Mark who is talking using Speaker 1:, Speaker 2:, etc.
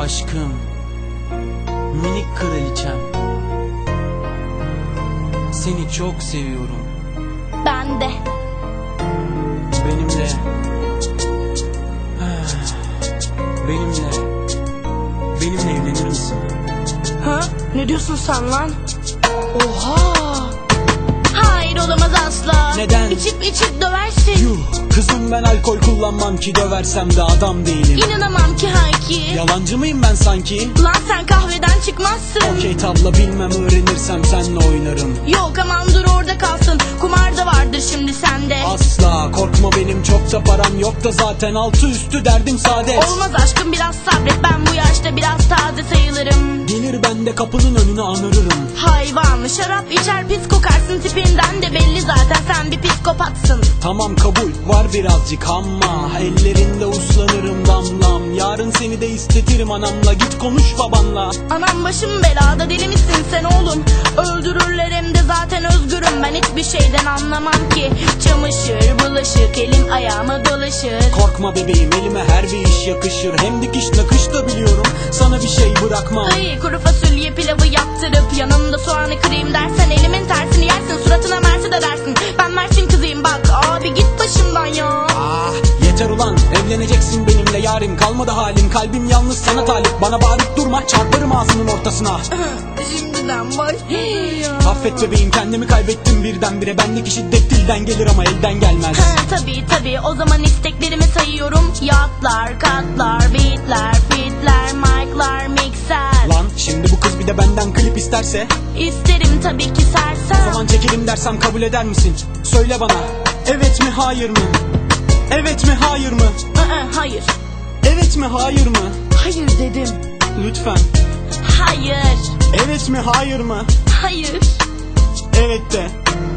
Speaker 1: Aşkım, minik kraliçem, seni çok seviyorum.
Speaker 2: Ben de.
Speaker 1: Benimle benimle evlenir misin?
Speaker 2: Ha? Ne diyorsun sen lan? Oha! Hayır, olamaz asla.
Speaker 1: Neden?
Speaker 2: İçip döversin.
Speaker 1: Yuh, kızım ben alkol kullanmam ki, döversem de adam değilim.
Speaker 2: İnanamam ki Hayki.
Speaker 1: Yalancı mıyım ben sanki?
Speaker 2: Lan sen kahveden çıkmazsın.
Speaker 1: Okey tabla bilmem, öğrenirsem senle oynarım.
Speaker 2: Yok aman dur orada kalsın. Kumar da vardır şimdi sende.
Speaker 1: Asla korkma, benim çok da param yok da zaten altı üstü derdim saadet.
Speaker 2: Olmaz aşkım, biraz sabret, ben bu yaşta biraz taze sayılırım.
Speaker 1: Gelir ben de kapının önüne anırırım.
Speaker 2: Hayvan, şarap içer pis kokarsın, tipinden de belli zaten sen bir psikopatsın.
Speaker 1: Tamam kabul var birazcık ama ellerinde uslanırım damlam. Yarın seni de istetirim anamla, git konuş babanla.
Speaker 2: Anam başım belada, deli misin sen oğlum? Öldürürler hem de zaten özgürüm, ben hiçbir şeyden anlamam ki. Çamaşır bulaşık elim ayağıma dolaşır.
Speaker 1: Korkma bebeğim, elime her bir iş yakışır. Hem dikiş nakış da biliyorum, sana bir şey bırakmam.
Speaker 2: Ay, kuru fasulye pilavı yaptırıp yanında soğanı kırayım dersen elimin tersini yersin, suratına mersi de dersin. Ben Mersin kızıyım bak abi, git başımdan ya.
Speaker 1: Ah yeter ulan, evleneceksin benimle yarim. Kalmadı halim, kalbim yalnız sana talip. Bana bağırıp durma, çarparım ağzının ortasına.
Speaker 2: Şimdiden başlıyor.
Speaker 1: Affet bebeğim, kendimi kaybettim birdenbire. Bendeki şiddet dilden gelir ama elden gelmez.
Speaker 2: Tabii o zaman isteklerimi sayıyorum. Yatlar, katlar, beatler, fitler, mic'lar, mikser.
Speaker 1: Lan şimdi bu kız bir de benden klip isterse?
Speaker 2: İsterim tabii ki
Speaker 1: O
Speaker 2: sersem.
Speaker 1: zaman çekelim dersem kabul eder misin? Söyle bana, evet mi hayır mı? Evet mi hayır mı?
Speaker 2: Hayır.
Speaker 1: Evet mi hayır mı?
Speaker 2: Hayır dedim.
Speaker 1: Lütfen.
Speaker 2: Hayır.
Speaker 1: Evet mi hayır mı?
Speaker 2: Hayır.
Speaker 1: Evet de.